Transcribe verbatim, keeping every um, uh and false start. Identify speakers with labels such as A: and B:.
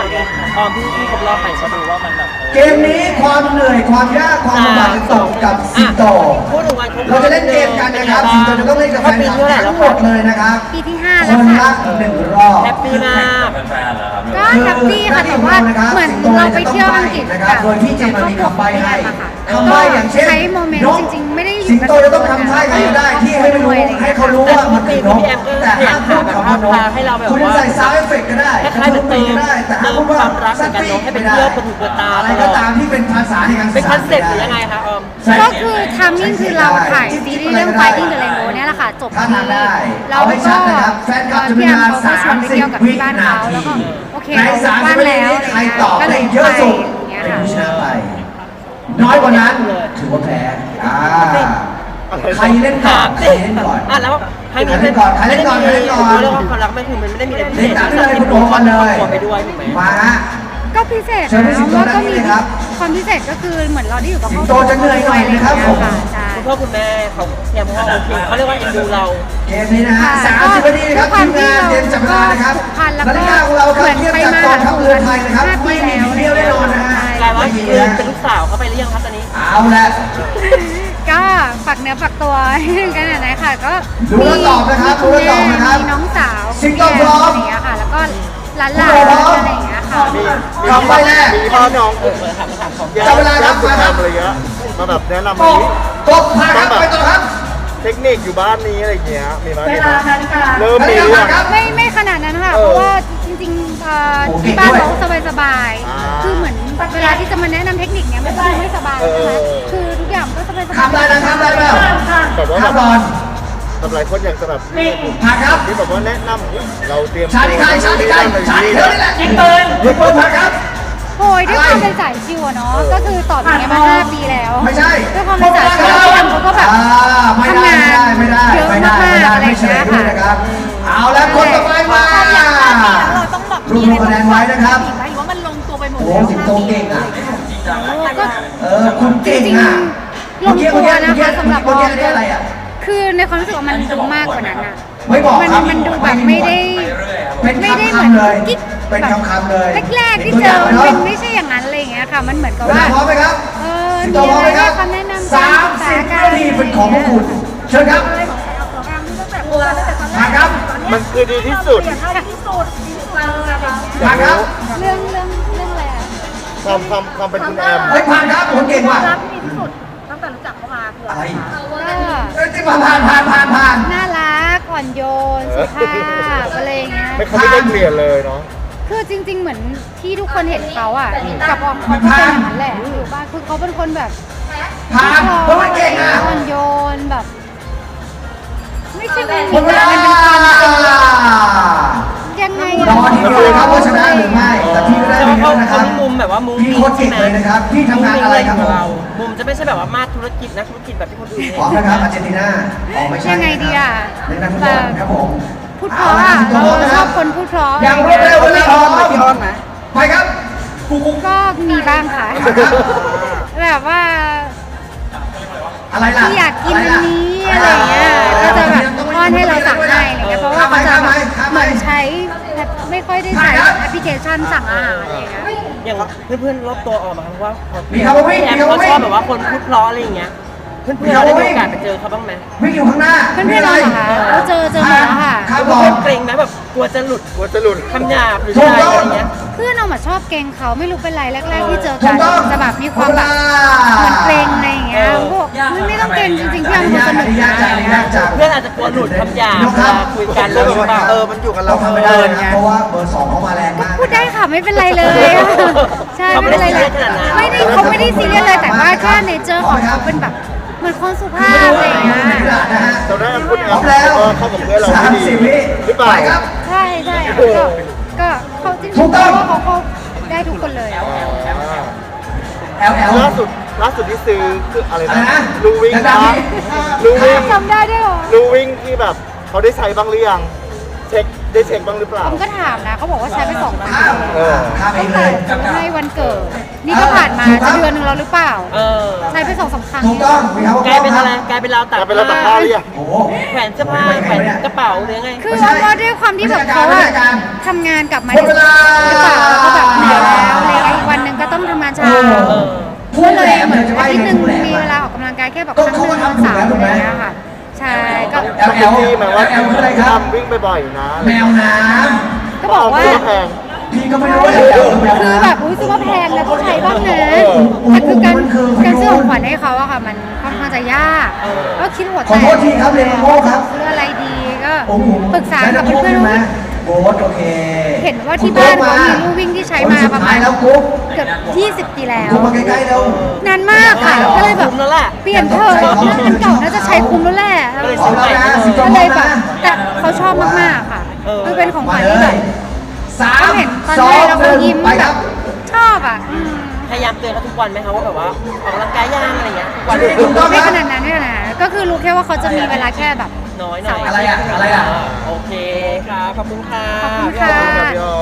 A: ตอนที่ที่ครบรอบไปก็ดูว่ามันแบบ
B: เกมนี้ความเหนื่อยความยากความลำบากจะตกกับสิงโตเราจะเล่นเกมกันนะครับสิงโตจะต้องเล่นกับแฟนคลับทั้งหมดเลยนะครับ
C: ปีที่ห้า
B: ค
C: แล้ว
B: น
C: ค่ะ
B: ละหนึ่งรอบ
A: แฮปปี้มาก
C: ก็แฮปปี้ค่ะแต่ว่าเหมือนเราไปเที่ยวอังกฤษ
B: นะครับโดยที่จะมามีคำใบ้ให้คำใบ้อย่างเช่น
C: ใช้โมเมนต์จริงๆไม่ได้อยู่
B: สิงโตจะต้องทำท่ากันได้ที่ให้ไม่รู้ให้เขารู้ว่ามันคือนกแต่ห้ามพูดคำว่านกคุณจะใส่ซาวด์เอฟเฟกต์ก็ได้
A: คล้ายๆเหมือนเติม
B: ก็ได้แต่ห้าม
A: เติ
B: พู
A: ม
B: ดว่า
A: ความรักกับนกให้เป็นเพื่อนประถูประตา
B: อะไรก็ตามที่เป็นภาษาในการ
A: เป็นคอนเซ็ปต์หรือยังไงคะออม
C: ก็คือทามมิ่งคือเราถ่ายซีรีส์เรื่อง Fighting the Rainbow เนี่ยแหละค่ะจบ
B: ถ้า
C: ที่
B: ทำได้
C: เรา
B: เอาให้
C: ก็
B: ชัดนะครับแฟนคลับจะมี
C: พี่
B: เว
C: แอม
B: ลา
C: เขาก็ชวนไปเที่ยวกับที่บ้านเขาแล้วก็โอเค
B: ใน
C: เรา
B: สาม
C: บ้า
B: สิบ
C: น
B: วิ
C: แล้ว
B: ใครตอบ
C: ก็เล
B: ได้
C: ย
B: เยอะสุด
C: อย่างเงี้ย
B: เป็น
C: ค่ะ
B: ผู้ชนะไป น้อยกว่านั้นถือว่าแพ้อ่าใครเล่นก่อนใครเล่นก่อน
A: อ่ะแล้วครั้งนี้
B: ใครเล่นก่อนใครเล่นก่อนใครเล่นก่อน
A: เรื่องความรักไม่คือมันไม่ได้มีอะไรพิเศ
B: เล่น
A: ษ
B: ตามเลยคุณโอกันเลย
A: ไปด้วยถูกไหม
B: มาฮะ
C: ก็พิเศษ
B: เชิญพี่
C: นะ
B: สิงโต
C: ว่าก็มี
B: ด้านนี้เลยครับ
C: ความพิเศษก็คือเหมือนเราได้อยู่กับ
B: สิ
C: ครง อบ
B: โตจะเหนื่อยหน่อยนะครับผม
C: ใช่
A: คุณพ่อคุณแม่เขาเตรียมพ่อโอเคเขาเรียกว่าเอ็นดูเรา
B: เกมนี้นะฮะสามสิบนาทีนะครับทีมงานเตรียมจับเวลานะครับนาฬิกาของเราครับเทียบกับกองทัพเรือไทยนะครับไม่มีผิดเดียวแน่นอนนะฮะ
A: กลายว่า
B: ไม่มี
A: คือ
B: นะ
A: เป็นลูกสาวเขาไปหรือยังครับตอนนี้
B: เอาละ
C: ก็ฝากเนื้อฝากตัวกันหน่อยนะคะก็
B: รู้แล้วตอบนะครับรู้แล้วตอบนะครับ
C: มีน้องสาว
B: สิงโตพร้อม
C: อะไรอย่างเงี้ยค่ะ แล้วก็หลานๆ
B: คุณโตพร้อม
C: อะไรอย่างเงี้ยค่ะ
B: คำใบแรก
D: มีพ่อน้อง
A: เออเปิดถามถามของ
B: จับเวลาครับมาครับ
D: ทำอะไรเงี้ยมาแบบแนะนำ
B: ก
D: อะไร
B: บกบพาครับไปต่อครับ
D: เทคนิคอยู่บ้านนี้อะไรเงี้ยมีไหม
B: เว
D: มีไหม
B: ลานาฬิกา
D: เริ่มมี
B: นาฬิ
D: หรื
B: กา
D: อยัง
B: ครับ
C: ไม่ไม่ขนาดนั้นค่ะ
D: เออ
C: เพราะว่าจริงๆเอ่อ
B: โอเค
C: ที่บ้าน
B: ด้วย
C: เขาสบาย
D: อ่า
C: ๆคือเหมือนเวลาที่จะมาแนะนำเทคนิคเนี้ยมันก็ไม่สบาย
D: เอ
C: ใช่
D: อ
C: ไหม
D: เออ
C: คือทุกอย่างก็สบายๆ
B: ข้ามได้นะข้ามได้เปล่า
D: แบบว่า
B: ข้าม
D: แบบ
B: บอล
D: แบบหลายคนอยากจะแบบ
B: ผ่านครับ
D: ที่แบบว่าแนะนำเราเตรียม
B: ชาติไทยชาติไทยชาติเธอนี่แหละยิงปืนยิงปืนผ่านครับ
C: โอ้ยด้วยความเป็นสายชิวอะเนาะก็คือตอบอย่างเงี้ยมาห้าปีแล้ว
B: ไม่ใช่
C: ด้วยความเป็นสายชิวพี่แอมเขาก็แบบ
B: อ่าไม่ได้
C: ทำงาน
B: ไม่ได้
C: เยอะ
B: ไม่ได้
C: มาก
B: ไม่ได้
C: ๆอะไร
B: ไม่
C: อย่าง
B: เฉล
C: เงี้
B: ย
C: ย
B: ด้วย
C: ค่ะ
B: นะครับ เอาแล้วคนต่อไปมา
E: เราต้องแบบ
B: รวบรวมคะแนนไว้นะครับ
E: หรือว่ามันลงตัวไปหมด
B: โอ้
E: แล้ว
B: สิงโตเก่งอ่ะ
C: ก็
B: เออคุณเก่ง
C: จริง
B: อ่ะ
C: ๆลงตัวนะคะสำหรับ
B: เมื่อกี้เมื่อกี้อะไรอ่ะ
C: คือในความรู้สึกว่ามันดูมากกว่านั้นอะ
B: ไม่บอก
C: มัน
B: ครับ
C: มันดูแบบไม่ได้
B: เป็น
C: ไม่ได้
B: คำ
C: เหมือน
B: ๆเลย
C: กิ๊ก
B: เป็น
C: แบบ
B: คำๆเลย
C: แรกๆที่เจอมันเป็นไม่ใช่อย่างนั้นอะไรอย่างเงี้ยค่ะ มันเหมือนกับ
B: เวลา
C: ว่า
B: พร้อมไหมครับ
C: เออ
B: สิง
C: มี
B: โตพร้อม
C: อะ
B: ไหม
C: ไร
B: ครับ
C: ให้คำแนะนำ
B: สามสิบวินาทีเป็นของพวกคุณเชิญครับมาครับ
D: มันคือดีที่สุด
B: มาครับ
C: เรื่องเรื่องเรื่องอะไรอะ
D: ความความความเป็นคุณแอม
B: เฮ้ยผ่านครับผมเก่งว่ะ
E: รับที่ดีที่สุดตั้งแต่รู้จักเขามาคือ
B: อะ
E: อะไร ไร
C: ก็
B: เอ้ยที่ผ่านผ่านผ่านผ่านผ่าน
C: น่ารักอ่อนโยนสุภาพอะไรอย่างเงี้ย
D: ไม่เขาไม่ได้เปลี่ยนเลยเนาะ
C: คือจริง ๆ เหมือนที่ทุกคนเห็นเขาอ่ะกับออมเขาก็เป็นอย่างนั้นแหละอยู่บ้านคือเขาเป็นคนแบบ
B: ผ่านเพราะมันเก่งอ่ะ
C: อ่อนโยนแบบ ไม่ใช่ไม่
B: หม
C: มี
B: ดเวลา
C: มันเป็นความยังไง
B: รอทีเดียวเลยครับว่าชนะหรือไม่ แต่พี่ก็ได้
A: แต่
B: ไป
A: ว่า
B: เย
A: เขา
B: อะนะครับ
A: เขามีมุมแบบว่ามุม
B: พี่โคตรเก่งเลยนะครับ พี่ทำงานอะไรครับผม
A: มุมจะไม่ใช่แบบว่ามาธุรกิจนักธุรกิจแบบที่คนอื่น
B: พร้อมนะครับอาร์เจนตินาอ๋อไม่ใช่
C: ยังไงดีอ่ะ
B: เล่นนักฟุตบอลครับผม
C: พูดเพราะอ่ะเราชอบคนพูดเพราะ
B: อย่างรวดเร็วเลยครับพี่อ้อนไหมไปครับ
C: ก็มีบ้างค่ะ แบบว่า
B: อะไรล่ะ
C: ที่อยากกินอันนี้อะไรเงี้ยก็จะแบบป้อนให้เราสั่งให้อะไรเงี้ยเพราะว่าเขาจะแบบเหมือนใช้แบบไม่ค่อยได้ใช้แอปพลิเคชันสั่งอาหารอะไรเงี้ย
A: อย่างเพื่อนๆรอบตัวออกมาเพราะว่า
B: มีคำว่าวิ่ง
A: แอ
B: มี
A: ม
B: คำ
A: เขา
B: ว่า
A: ช
B: วิ่
A: อง บแบบว่าคนพูดเพราะอะไรอย่างเงี้ย เพื่อนๆเราได้มีโอกาสไปเจอเขาบ้างไหม
B: วิ่งอยู่ข้างหน้า
C: เพื่อนๆเราเหรอคะเราเจอเจอหมดแล้วค่ะ
B: ครับผ
A: เพื่อ
B: ม
A: นเกรงไหมแบบกลัวจะหลุด
D: กลัวจะหลุด
A: คำหยาบหรือ
B: ถูก
A: อะไร
B: ต้อง
A: อย่างเงี้ย
C: เพื่อนเรามาชอบเกรงเขาไม่รู้เป็นไรแรก ๆ ที่เจอ
B: ถู
C: กั
B: ก
C: น
B: ต้อง
C: จะแบบมีความแบบเหมือนเกรงอะไรอย่างเงี้ยพวกไม่ไม่ต้องเกรงจริงๆพี่
B: อัน
C: ยาม
B: นี้
C: คน
B: ยาก
C: ส
B: อัน
C: นุก
B: นี้ยากจังอันนี้ยากจัง
A: เพื่อนอาจจะกลัวหลุดคำหยาบ
B: นก
A: เว
B: ครับ
A: ลาคุยกันแล้วแบบว่า
D: เออมันอยู่กับเรา
B: เราทำไม่ได้นะเพราะว่าเบอร์สองเขามาแรงมาก
C: พูดได้ค่ะไม่เป็นไรเลยใช่ไม่เป็นไรเลยไม่ได้เขาไม่ได้ซีเรียสเลยแต่ว่าแค่เนเจอร์ของเขาเป็นแบบเหมือนคนสุภาพอะไรอย่างเงี้ย
B: นะฮะ
D: ตอนนั้นคุณแอ
B: พร้อ
D: ม
B: มแล้ว
D: เออเข้ากับเพื่อนเรา
B: สา
D: ไม่
B: ม
D: ดี
B: สิบวิ
D: หรือเปล่า
B: ไปครับ
C: ใช่ใช่ก็ก็เขาจริง
B: ถูก
C: ๆ
B: ต้อง
C: เพราะว่าเขาเขาได้ทุกคนเลย
B: แอลแอล
D: ล่าสุดล่าสุดที่ซื้อคืออะไร
B: อะไร
D: นะ
B: นะ
D: ลูวิ่ง
B: ดั
D: นะ
B: งๆ
D: ลูวิ่ง
C: จำได้ด้วยเหรอ
D: ลูวิ่งที่แบบเขาได้ใช้บ้างหรือยังเช็คได้เช็คบ้างหรือเปล่า
C: ผมก็ถามนะเขาบอกว่าใช้ไปสองปี
B: ข้าม
D: เออ
B: ข้ามเอ
C: ตั้
B: ง
C: ง
B: เล
C: แต่
B: ย
C: ซื้อให้วันเกิด นี่ก็ผ่านมาจะเดือนหนึงแล้วหรือเปล่า
A: เออ
C: ใช้ไปสองสามครั้ง
B: ถูกต้องมีครับ
A: กลายเป็นอะไรกลายเป็นราวตัก
D: กลายเป็นราวตักผ้าหรือยัง
B: โอ้โห
A: แขวนเสื้อผ้าแขวนกระเป๋าหรือไง
C: คือว่าว่าด้วยความที่แบบเขาอะทำงานกลับมา
B: หมดเวลา
C: หรือเปล่าแล้วก็แบบเหนื่อยแล้วอะไรอย่างเงี้ยอีกวันหนึ่งก็ต้องทำงานเช้า
B: เออ พูด
C: ก็
B: แห
C: เล
B: ล
C: ย
B: ม
C: เหมือน
B: เลยจะ
C: อา
B: ว่า
C: ทิตย์หนึ่ง
B: พูดแหลม
C: มี
B: อะ
C: เวลาออกกำลังกายแค่แบบ
B: ก็
C: ครั้งหนึ่ง
B: เขาก็ทำ
C: สาม
B: ถูก
C: อะไร
B: แล้ว
C: อย่างเงี้ยค่ะ ใช่ก็
B: แอลแอล
D: พี่หมายว่า
B: แอลคืออะไรครับ
D: ทำวิ่งบ่อยๆนะ
B: แมวน้
C: ก็บอกว่า
D: เสื้แพง
B: ำพี่ก็ไม่รู้ว่าแอลแอลคือแมว
C: คือ
B: น้ำ
C: แบบอุ้ยซื้อมาแพงแล้วต้องใช้บ้างนะ
B: เออ
C: แต่คือการ
B: มันคือ
C: การซื้อของขวัญให้เขาอะค่ะ มันค่อนข้างจะยากก็คิดหัว
B: ขอโทษทีครับเรนโม่ครับ
C: ซื้ออะไรดีก็
B: โอ้โห
C: ปรึกษากับ
B: ได้
C: เพื่อน
B: ใช่ไหม
C: ๆ
B: โบ๊ทโอเค
C: เห็นว่าที่บ้านเขามีลู่วิ่งที่ใช้มาประมาณ
B: แล้วกุ๊ก
C: เกือบยี่สิบปีแล้ว
B: กุ๊กมาใกล้ๆแล้ว
C: นานมากค่ะ ก็เลยแบบ
A: คุ้มแล้วแหละ
C: เปลี่ยนเถอะถ้าอันเก่าน่าจะใช้คุ้มแล้วแหละ
A: ก็เลย
B: พร้อมแล้วนะสิบ
C: ก็
B: พร้
C: เล
B: อย ม
C: แบบ
B: นะ
C: แต่เขาชอบมากๆค่ะ
A: เออ
C: มันเป็นของข
B: มา
C: วัญ
B: เล
C: ที่แบ
B: ย
C: บ
B: สาม
C: เขาเห็นตอน
B: สอ
C: แรก
B: ง
C: แล้ว
B: ห
C: เขา
B: นึ่ง
C: ยิ้ม
B: ไป
C: แบ
B: ครับ บ
C: ชอบอ่ะอืม
A: พยายามเตือนเขาทุกวันไหมคะว่าแบบว่าออกกำลังกายย่างอะไรเงี้ยทุกวัน
B: ถูกต้อง
C: ไม่ขนาดนั้นไม่ขนาดนั้นก็คือรู้แค่ว่าเขาจะมีเวลาแค่แบบ
A: น้อยหน่อย
B: อะไรอะอะไรอะ
A: โอเคครับขอบคุณค่ะ
C: ขอบคุณค่ะ
D: ขอบคุณครับพี่อ้อ